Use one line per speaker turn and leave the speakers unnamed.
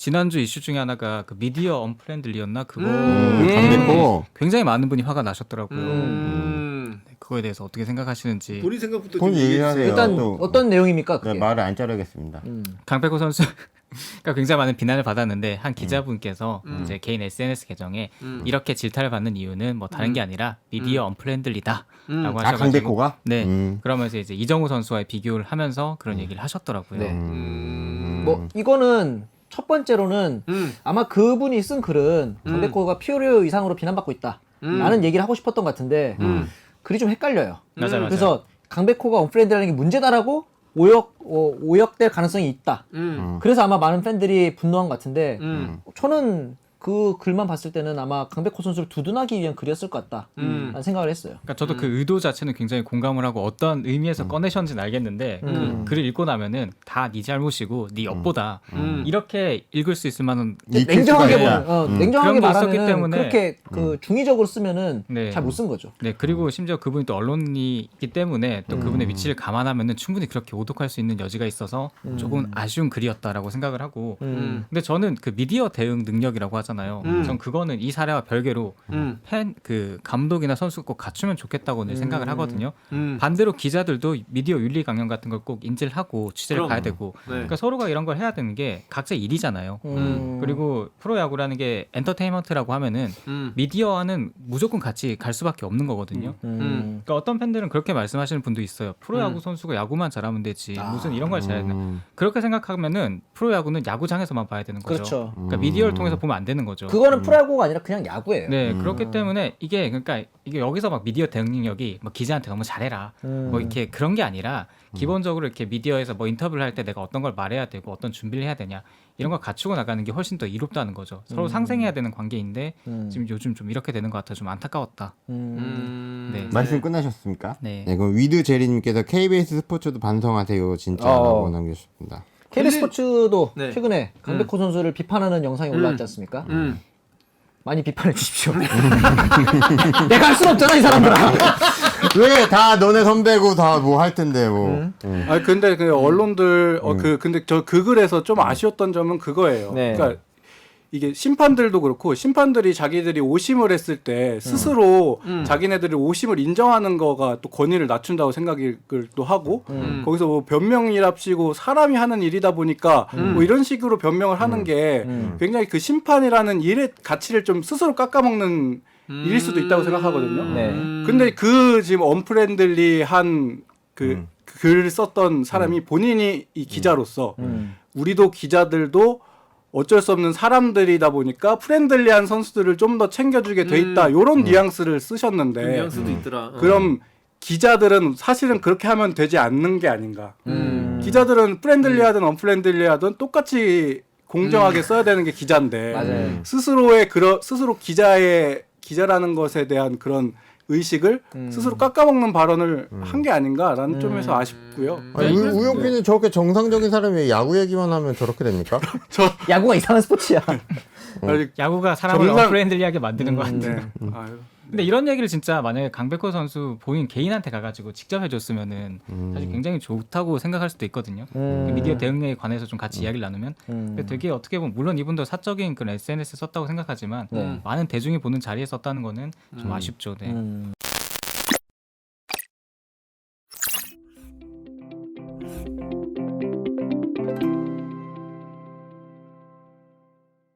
지난주 이슈 중에 하나가 그 미디어 언프렌들리였나 그거
강백호.
굉장히 많은 분이 화가 나셨더라고요. 네, 그거에 대해서 어떻게 생각하시는지.
본인 생각부터
본
좀
얘기하세요.
일단
또.
어떤 내용입니까? 그게?
말을 안 자르겠습니다.
강백호 선수가 굉장히 많은 비난을 받았는데 한 기자분께서 이제 개인 SNS 계정에 이렇게 질타를 받는 이유는 뭐 다른 게 아니라 미디어 언프렌들리다라고 하셔가지고
강백호가?
네 그러면서 이제 이정우 선수와의 비교를 하면서 그런 얘기를 하셨더라고요.
네. 뭐 이거는 첫 번째로는 아마 그분이 쓴 글은 강백호가 피오리오 이상으로 비난받고 있다라는 얘기를 하고 싶었던 것 같은데 글이 좀 헷갈려요.
맞아요.
그래서 강백호가 언프렌드라는 게 문제다라고 오역될 가능성이 있다. 그래서 아마 많은 팬들이 분노한 것 같은데 저는 그 글만 봤을 때는 아마 강백호 선수를 두둔하기 위한 글이었을 것 같다라는 생각을 했어요.
그러니까 저도 그 의도 자체는 굉장히 공감을 하고 어떤 의미에서 꺼내셨는지는 알겠는데 그 글을 읽고 나면은 다 네 잘못이고 네 엿보다 이렇게 읽을 수 있을 만한
냉정하게
있다.
냉정하게
그런 게 있었기
말하면
때문에
그렇게 그 중의적으로 쓰면은
네.
잘 못 쓴 거죠.
네 그리고 심지어 그분이 또 언론이기 때문에 또 그분의 위치를 감안하면은 충분히 그렇게 오독할 수 있는 여지가 있어서 조금 아쉬운 글이었다라고 생각을 하고 근데 저는 그 미디어 대응 능력이라고 하잖아요. 전 그거는 이 사례와 별개로 팬 그 감독이나 선수가 꼭 갖추면 좋겠다고 늘 생각을 하거든요. 반대로 기자들도 미디어 윤리 강령 같은 걸 꼭 인지를 하고 취재를 가야 되고 그러니까 서로가 이런 걸 해야 되는 게 각자 일이잖아요. 그리고 프로야구라는 게 엔터테인먼트라고 하면은 미디어와는 무조건 같이 갈 수밖에 없는 거거든요. 그러니까 어떤 팬들은 그렇게 말씀하시는 분도 있어요. 프로야구 선수가 야구만 잘하면 되지 무슨 이런 걸 잘해야 되나. 그렇게 생각하면은 프로야구는 야구장에서만 봐야 되는 거죠.
그렇죠.
그러니까 미디어를 통해서 보면 안 되는 거죠.
그거는 프로야구가 아니라 그냥 야구예요.
네, 그렇기 때문에 이게 그러니까 이게 여기서 막 미디어 대응 능력이 뭐 기자한테 너무 잘해라 뭐 이렇게 그런 게 아니라 기본적으로 이렇게 미디어에서 뭐 인터뷰를 할 때 내가 어떤 걸 말해야 되고 어떤 준비를 해야 되냐 이런 걸 갖추고 나가는 게 훨씬 더 이롭다는 거죠. 서로 상생해야 되는 관계인데 지금 요즘 좀 이렇게 되는 것 같아 좀 안타까웠다. 네.
말씀 끝나셨습니까?
네.
그럼 위드 제리님께서 KBS 스포츠도 반성하세요 진짜라고 남겨주셨습니다.
KBS 스포츠도
네.
최근에 강백호 선수를 비판하는 영상이 올라왔지 않습니까? 많이 비판해 주십시오. 내가 할 수는 없잖아 이 사람들아.
왜 다 너네 선배고 다 뭐 할 텐데 뭐.
아니 근데 그 언론들 근데 저 그 글에서 좀 아쉬웠던 점은 그거예요.
네.
그러니까 이게 심판들도 그렇고 심판들이 자기들이 오심을 했을 때 스스로 자기네들이 오심을 인정하는 거가 또 권위를 낮춘다고 생각을 또 하고 거기서 뭐 변명이랍시고 사람이 하는 일이다 보니까 뭐 이런 식으로 변명을 하는 게 굉장히 그 심판이라는 일의 가치를 좀 스스로 깎아먹는 일일 수도 있다고 생각하거든요.
네.
근데 그 지금 언프렌들리한 그 글 썼던 사람이 본인이 이 기자로서 우리도 기자들도 어쩔 수 없는 사람들이다 보니까 프렌들리한 선수들을 좀 더 챙겨주게 돼 있다. 이런 뉘앙스를 쓰셨는데
뉘앙스도 있더라.
그럼 기자들은 사실은 그렇게 하면 되지 않는 게 아닌가. 기자들은 프렌들리하든 언프렌들리하든 똑같이 공정하게 써야 되는 게 기자인데
맞아요.
스스로 기자라는 것에 대한 그런 의식을 스스로 깎아먹는 발언을 한 게 아닌가라는 점에서 아쉽고요.
아니, 우영빈은 저렇게 정상적인 사람이 왜 야구 얘기만 하면 저렇게 됩니까?
야구가 이상한 스포츠야.
야구가 사람을 언프렌들리하게 만드는 것 같아요.
아유.
근데 이런 얘기를 진짜 만약에 강백호 선수 본인 개인한테 가가지고 직접 해줬으면은 사실 굉장히 좋다고 생각할 수도 있거든요. 그 미디어 대응에 관해서 좀 같이 이야기를 나누면 근데 되게 어떻게 보면 물론 이분도 사적인 그런 SNS 썼다고 생각하지만 많은 대중이 보는 자리에 썼다는 거는 좀 아쉽죠. 네.